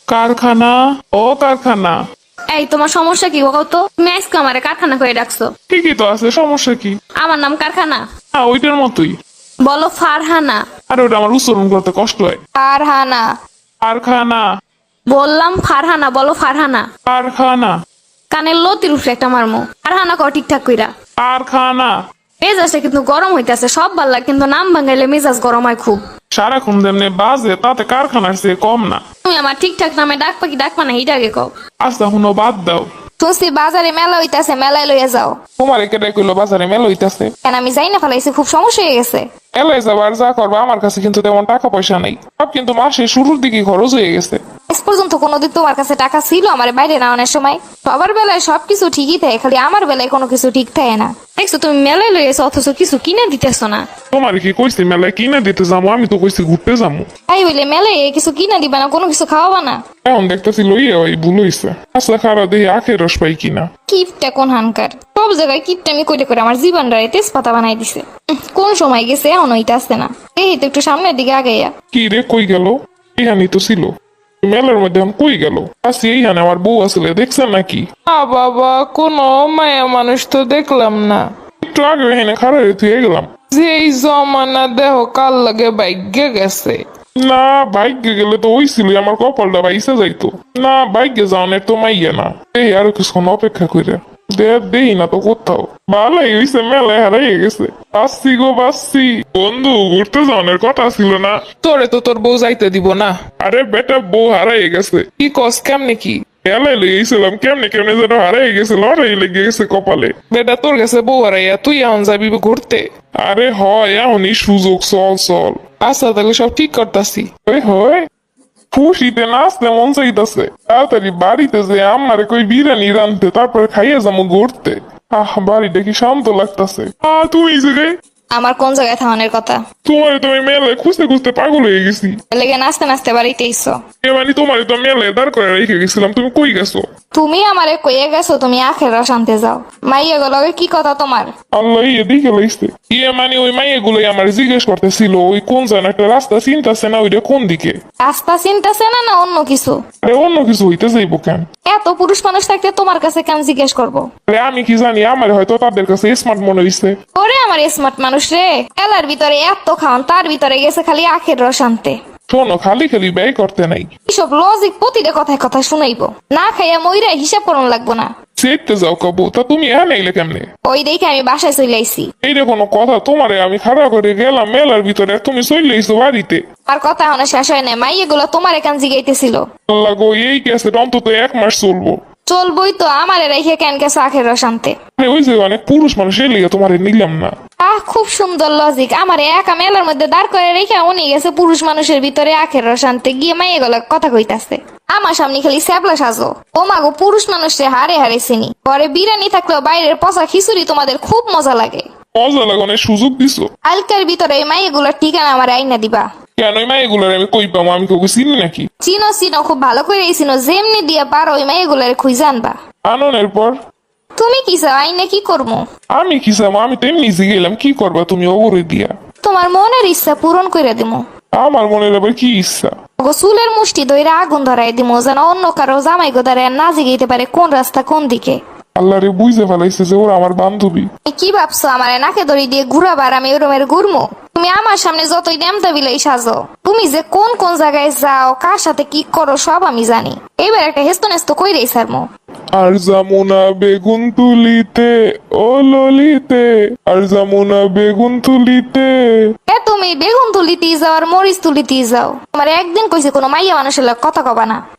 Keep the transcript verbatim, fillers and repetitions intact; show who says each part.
Speaker 1: কারখানা। ও কারখানা।
Speaker 2: এই তোমার সমস্যা কি কত? তুমি আজকে আমারে কারখানা করে ডাকছো।
Speaker 1: ঠিকই তো আছে, সমস্যা কি?
Speaker 2: আমার নাম কারখানা।
Speaker 1: হ্যাঁ, ওইটার মতোই।
Speaker 2: বলো ফারহানা।
Speaker 1: আর ওটা আমার উচ্চারণ করতে কষ্ট হয়।
Speaker 2: ফারহানা।
Speaker 1: কারখানা।
Speaker 2: বললাম ফারহানা, বলো ফারহানা।
Speaker 1: কারখানা।
Speaker 2: কানের লতির উপরে একটা মারমো। ফারহানা কর ঠিকঠাক কইরা।
Speaker 1: কারখানা।
Speaker 2: মেজাজটা কিন্তু গরম হইতেছে, সব ভাল লাগে কিন্তু নাম ভাঙাইলে মেজাজ গরম হয় খুব।
Speaker 1: সারাক্ষণ যেমনি বাজে তাতে কারখানার চেয়ে কম না।
Speaker 2: তুমি আমার ঠিকঠাক নামে ডাকবা কি ডাকবা না এইটা আগে কও।
Speaker 1: আচ্ছা হুনো বাদ দাও।
Speaker 2: শুনছি বাজারে মেলা হইতাছে, মেলায় লইয়া যাও।
Speaker 1: তোমার একে কইলো বাজারে মেল হইতাছে।
Speaker 2: কেন আমি যাই না ফেলাইছি, খুব সমস্যা হয়ে গেছে।
Speaker 1: এলাই যাবার যা করবা, আমার কাছে কিন্তু তেমন টাকা পয়সা নাই। সব কিন্তু মাসের শুরুর দিকে খরচ হয়ে গেছে।
Speaker 2: আজ পর্যন্ত কোনোদিন তোমার কাছে টাকা ছিল আমার বাইরে নেওয়ানোর সময়? সবার বেলায় সবকিছু ঠিকই থাকে, খালি আমার বেলায় কোনো কিছু ঠিক থাকে না। দেখছো তুমি মেলায় লইয়াছো অথচ কিছু কিনে দিতেছো না।
Speaker 1: তোমার কি কইছি মেলায় কিনা দিতে যাবো? আমি তো কইছি ঘুরতে যাবো।
Speaker 2: তাই হইলে মেলায় কিছু কিনা দিবা না, কোনো কিছু খাওয়াবা না?
Speaker 1: এখন দেখতেছি লইয়া ওই ভুল হইছে। আচ্ছা খারাপ দেখি আখের রস পাই কিনা।
Speaker 2: কিপটা কোন হানকার, সব জায়গায় কিপটা আমি কইলে করে আমার জীবনটা তেজপাতা বানাই দিছে। উহ, কোন সময় গেছে এখন ওইটা আসছে না। এই তো একটু সামনের দিকে আগাইয়া।
Speaker 1: কি রে কই গেল? ইহানি তো ছিল মেলার মধ্যে, এখন কই গেল? আছি এইখানে, আমার বউ আসলে দেখছেন নাকি?
Speaker 3: আ বাবা, কোনো মায়া মানুষ তো দেখলাম না।
Speaker 1: একটু আগে এখানে খারাপ থুয়ে গেলাম।
Speaker 3: যে এই জমানা দেহ কাল লাগে ভাগ্যে গেছে।
Speaker 1: না বাইকে গেলে তো ওই ছিল, আমার কপালটা বাইসে যাইতো না। বাইকে যাওয়ানের তো মাইয়া না। এই আরো কিছুক্ষণ অপেক্ষা করে দেই না তো কোথাও। ভালোই হইছে, মেলায় হারাইয়ে গেছে। বাসছি গো বাসছি। বন্ধু ঘুরতে যাওয়ানের কথা ছিল না?
Speaker 3: তোরে তো তোর বউ যাইতে দিব না।
Speaker 1: আরে বেটা বউ হারাইয়ে গেছে।
Speaker 3: কি কস কেমনে কি?
Speaker 1: মেলায় লইয়েছিলাম, কেমনে কেমনে যেন হারাইয়ে গেছে, লড়াই লেগে গেছে কপালে।
Speaker 3: বেটা তোর কাছে বউ হারাইয়া তুই এখন যাবি ঘুরতে?
Speaker 1: আরে হয় এমনই সুযোগ, চল চল।
Speaker 3: আচ্ছা তাহলে সব ঠিক করতাছি।
Speaker 1: ওই হয় খুশিতে নাচতে মন চাইতেছে। তাড়াতাড়ি বাড়িতে যে আমারে কই বিরিয়ানি রানতে, তারপরে খাইয়ে যাবো ঘুরতে। আহ বাড়িটা কি শান্ত লাগতেছে। আহ তুমি যে রে,
Speaker 2: আমার কোন জায়গায় থামানোর কথা?
Speaker 1: তোমার তুমি মেলায় খুঁজতে খুঁজতে পাগল হয়ে গেছি।
Speaker 2: লেগে নাচতে নাচতে বাড়িতে এসো।
Speaker 1: এ মানে তোমার তো মেলায় দাঁড় করে রেখে গেছিলাম, তুমি কই গেছো?
Speaker 2: তুমি আমারে কইয়ে গেছো তুমি আখের রস আনতে যাও। মাইয়া গলগে কি কথা তোমার?
Speaker 1: আল্লাহ ইয়ে দিকে লাইছে। ইয়ে মানে ওই মাইয়ে গুলোই আমার জিজ্ঞেস করতেছিল ওই কোন যেন একটা রাস্তা চিন্তাছে না, ওইটা কোন দিকে।
Speaker 2: রাস্তা চিন্তাছে না না অন্য কিছু?
Speaker 1: আরে অন্য কিছু হইতে যাইবো কেন?
Speaker 2: এত পুরুষ মানুষ থাকতে তোমার কাছে কেন জিজ্ঞেস করবো?
Speaker 1: আরে আমি কি জানি, আমার হয়তো তাদের কাছে স্মার্ট মনে হইছে।
Speaker 2: ওরে আমার স্মার্ট মানুষ রে, এলার ভিতরে এত খাওয়ান, তার ভিতরে গেছে খালি আখের রস আনতে।
Speaker 1: শোনো, খালি খালি ব্যয় করতে নাই।
Speaker 2: এসব লজিক প্রতিটা কথায় কথা শুনাইবো না, খাইয়া মইরা হিসাব করন লাগবো না।
Speaker 1: সেটতে যাও কবু, তা তুমি এখানে এলে কেমনে?
Speaker 2: ওই দেখে আমি বাসায় চলে আইছি।
Speaker 1: এইটা কোনো কথা? তোমারে আমি খাড়া করে গেলাম মেলার ভিতরে, তুমি চলে এসো বাড়িতে।
Speaker 2: আর কথা এখনো শেষ হয় না, মাইয়ে গুলো তোমার এখান জিগাইতেছিল।
Speaker 1: আল্লাহ গো, এই কেসে অন্তত এক মাস চলবো।
Speaker 2: চলবই তো, আমারে রেখে কেন গেছে আখের রস আনতে?
Speaker 1: আরে ওই যে অনেক পুরুষ মানুষ এলে তোমারে নিলাম না।
Speaker 2: আহ খুব সুন্দর লজিক। আমার একা মেলার মধ্যে দাঁড় করে রেখে উনি গেছে পুরুষ মানুষের ভিতরে আখের রস আনতে, গিয়ে মাইয়ে গুলো কথা কইতাছে। আমার সামনে খালি স্যাবলা সাজো। ও মাগো, পুরুষ মানুষে হারে হারে চিনি। ঘরে বিরিয়ানি থাকলেও বাইরের পচা খিচুড়ি তোমাদের খুব মজা লাগে।
Speaker 1: মজা লাগানোর সুযোগ দিছো।
Speaker 2: আলকার ভিতরে এই মাইয়ে গুলোর ঠিকানা আমার আইনা দিবা।
Speaker 1: কেন ওই মাইগুলোর আমি কই পাবো? আমি কাউকে চিনি নাকি?
Speaker 2: চিনো চিনো, খুব ভালো করে চিনো। যেমনি দিয়া পারো ওই মাইয়ে গুলার খুঁজে আনবা।
Speaker 1: আননের পর
Speaker 2: তুমি কি চাও আইনে কি করবো?
Speaker 1: আমি কি চাবো? আমি তো এমনি গেলাম, কি করবা তুমি ওরে দিয়া?
Speaker 2: তোমার মনের ইচ্ছা পূরণ করে দিমু।
Speaker 1: আমার মনের আবার কি ইচ্ছা?
Speaker 2: ওগো চুলের মুষ্টি ধইরা আগুন ধরাই দিমু, যেন অন্য কারো জামাই গোদারে না জিগাইতে পারে কোন রাস্তা কোন দিকে।
Speaker 1: আল্লাহ রে, বুঝতে ফেলাইছে যে ওরা আমার বান্ধবী।
Speaker 2: তুমি কি ভাবছো আমারে নাকে দড়ি দিয়ে ঘুরাবার আমি ওরমের ঘুরমু? তুমি আমার সামনে যতই নেমতা বিলাই সাজো, তুমি যে কোন কোন জায়গায় যাও, কার সাথে কি করো সব আমি জানি। এবার একটা হেস্ত নেস্ত কইরেই সারমু।
Speaker 1: আর যামুনা বেগুন তুলিতে, ও ললিতে, আর যামুনা বেগুন তুলিতে।
Speaker 2: এ তুমি বেগুন তুলিতেই যাও আর মরিচ তুলিতেই যাও। তোমার একদিন কইছে কোনো মাইয়া মানুষের লগে কথা কবা না।